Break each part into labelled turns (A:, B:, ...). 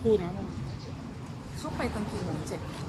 A: พูดนะ
B: เข้าไปตอนกี่โมง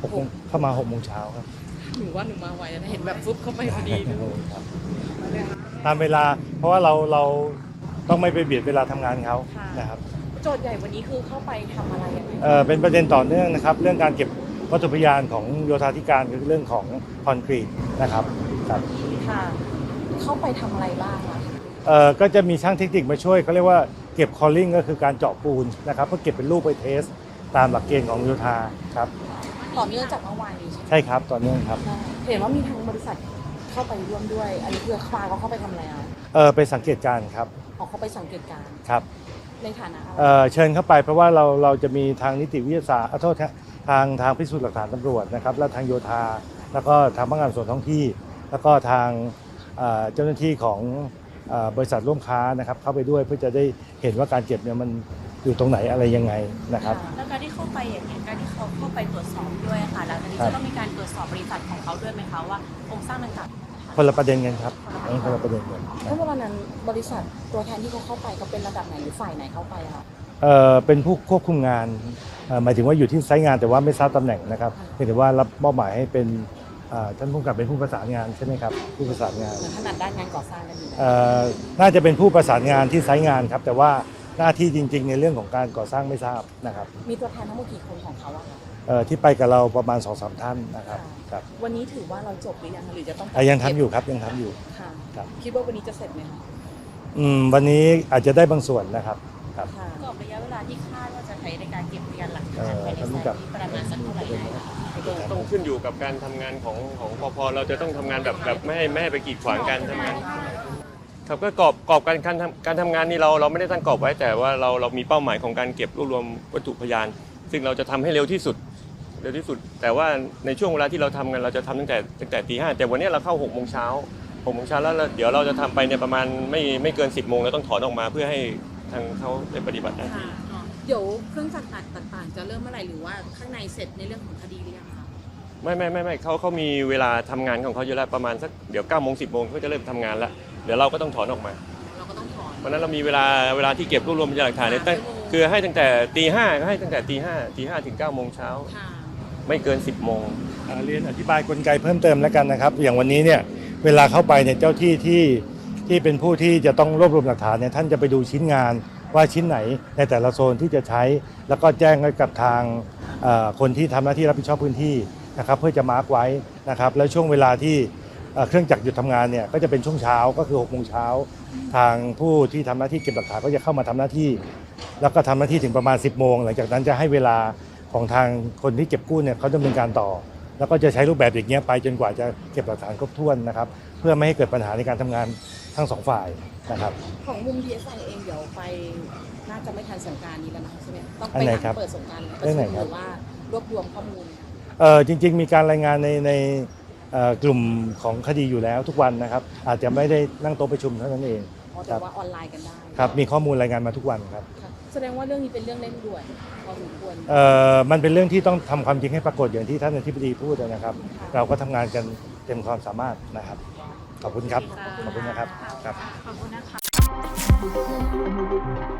B: 7
C: เข้ามา6 โมงเช้าครับ
B: หนูว่าหนูมาไวนะเห็นแบบฟึบเข้าไปพอดี
C: ตามเวลาเพราะว่าเราต้องไม่ไปเบียดเวลาทำงานเขานะครับ
B: โจทย์ใหญ่วันนี้คือเข้าไปทำอะไรยังไง
C: เป็นประเด็นต่อเนื่องนะครับเรื่องการเก็บวัตถุพยานของโยธาธิการคือเรื่องของคอนกรีตนะครับครับ
B: ค่ะเข้าไปทำอะไรบ้างคะ
C: ก็จะมีช่างเทคนิคมาช่วยเขาเรียกว่าเก็บคอลลิ่งก็คือการเจาะปูนนะครับเพื่อเก็บเป็นรูปไปเทสตามหลักเกณฑ์ของโยธาครับ
B: ต่อเนื่องจากเมื่อวานนี้
C: ใช่ครับต่อเนื่องครับ
B: เห็นว่ามีทางบริษัทเข้าไปร่วมด้วยอันนี้คือฟ้าเขาเข้าไปทำอะไร
C: ไปสังเกตการณ์ครับ
B: เขาไปสังเกตการณ์
C: ครับ
B: ในฐานะ
C: เชิญเข้าไปเพราะว่าเราจะมีทางนิติวิทยาศาสตร์โทษทางพิสูจน์หลักฐานตำรวจนะครับและทางโยธาแล้วก็ทางพนักงานส่วนท้องที่แล้วก็ทางเจ้าหน้าที่ของบริษัทร่วมค้านะครับเข้าไปด้วยเพื่อจะได้เห็นว่าการเก็บเนี่ยมันอยู่ตรงไหนอะไรยังไงนะครับ
D: แล้วการที่เข้าไปอย่างนี้การที่เขาเข้าไปตรวจสอบด้วยค่ะแล้วทีนี้จะต้องมีการตรวจสอบบริษัทของเขาด้วยไหมคะว่าโครงสร้างดังกล่าว
C: คนละประเด็นกันครับคนละประเด็นกัน
B: ถ้าเวลานั้นบริษัทตัวแทนที่เขาเข้าไปเขาเป็นระดับไหนหรือฝ่ายไหนเข้าไปคะ
C: เป็นผู้ควบคุมงานหมายถึงว่าอยู่ที่ไซต์งานแต่ว่าไม่ทราบตำแหน่งนะครับเพียงแต่ว่ารับมอบหมายให้เป็นท่านผู้กำกับเป็นผู้ประสานงานใช่ไหมครับผู้ประสานงาน
B: ถนัดด้านงานก่อสร้างกันอยู่
C: น่าจะเป็นผู้ประสานงานที่ไซต์งานครับแต่ว่าหน้าที่จริงๆในเรื่องของการก่อสร้างไม่ทราบนะครับ
B: มีตัวแทนทั้งหมดกี่คนของเขาอะคะ
C: ที่ไปกับเราประมาณ 2-3 ท่านนะครับครับ
B: วันนี้ถือว่าเราจบหรือยังหรือจะต้อง
C: ยังทำอยู่ครับยังทำอยู่
B: ค่ะคิดว่าวันนี้จะเสร็จไหมคะ
C: วันนี้อาจจะได้บางส่วนนะครับ
D: ครับกรอบระยะเวลาที่คาดว่าจะใช้ในการเก็บพยานหลักฐานภายในไซต์นี้ประมาณสักเท่าไหร่
A: ต้องขึ้นอยู่กับการทำงานของปภ.เราจะต้องทำงานแบบไม่ให้ไปกีดขวางการทำงานครับก็กรอบการทำงานนี่เราไม่ได้ตั้งกรอบไว้แต่ว่าเรามีเป้าหมายของการเก็บรวบรวมวัตถุพยานซึ่งเราจะทำให้เร็วที่สุดแต่ว่าในช่วงเวลาที่เราทำกันเราจะทำตั้งแต่ตี 5แต่วันนี้เราเข้า6 โมงเช้าแล้วเดี๋ยวเราจะทำไปเนี่ยประมาณไม่เกิน10 โมงแล้วต้องถอนออกมาเพื่อให้ทางเขาได้ปฏิบัติหน้าที่
B: เดี๋ยวเครื่องจักรต่างๆจะเริ่มเมื่อไหร่หรือว่าข้างในเสร็จในเรื่องของคดีหรือยังคะ
A: ไม่เขามีเวลาทำงานของเขาอยู่แล้วประมาณสักเดี๋ยว9 โมง 10 โมงก็จะเริ่มทำงานแล้วเดี๋ยวเราก็ต้องถอนออกมาเพราะนั้นเรามีเวลาที่เก็บรวบรวมพยานหลักฐานเนี่ยคือให้ตั้งแต่ตี 5ก็ให้ตั้งแต่ตี 5ถึง 9 โมงเช้าไม่เกิน 10 โมง
C: เรียนอธิบายกลไกเพิ่มเติมแล้วกันนะครับอย่างวันนี้เนี่ยเวลาเข้าไปเนี่ยเจ้าที่เป็นผู้ที่จะต้องรวบรวมหลักฐานเนี่ยท่านจะไปดูชิ้นงานว่าชิ้นไหนในแต่ละโซนที่จะใช้แล้วก็แจ้งให้กับทางคนที่ทำหน้าที่รับผิดชอบพื้นที่นะครับเพื่อจะมาร์กไว้นะครับแล้วช่วงเวลาที่เครื่องจักรหยุดทำงานเนี่ยก็จะเป็นช่วงเช้าก็คือ6 โมงเช้าทางผู้ที่ทำหน้าที่เก็บหลักฐานก็จะเข้ามาทำหน้าที่แล้วก็ทำหน้าที่ถึงประมาณ10 โมงหลังจากนั้นจะให้เวลาของทางคนที่เก็บกู้เนี่ยเขาดำเนินการต่อแล้วก็จะใช้รูปแบบอย่างเงี้ยไปจนกว่าจะเก็บหลักฐานครบถ้วนนะครับเพื่อไม่ให้เกิดปัญหาในการทำงานทั้ง2 ฝ่ายนะครับ
B: ของมุม DSI เองเดี๋ยวไปน่าจะไม่ทันสงกรานต์นี้แล้วนะใช่ไหมต้องไปหลังเปิดสงกรานต์ประชุมหรือว่ารวบรวมข้อมูล
C: จริงๆมีการรายงานในกลุ่มของคดีอยู่แล้วทุกวันนะครับอาจจะไม่ได้นั่งโต๊ะประชุมเท่านั้นเอง
B: แต่ว่าออนไลน์กันได้
C: ครับมีข้อมูลรายงานมาทุกวันครับ
B: แสดงว่าเรื่องนี้เป็นเรื่องเร่งด่วนพอสมควร
C: มันเป็นเรื่องที่ต้องทำความจริงให้ปรากฏอย่างที่ท่านอธิบดีพูดนะครับเราก็ทำงานกันเต็มความสามารถนะครับขอบคุณครับขอบคุณนะครับ
D: ขอบคุณนะคะ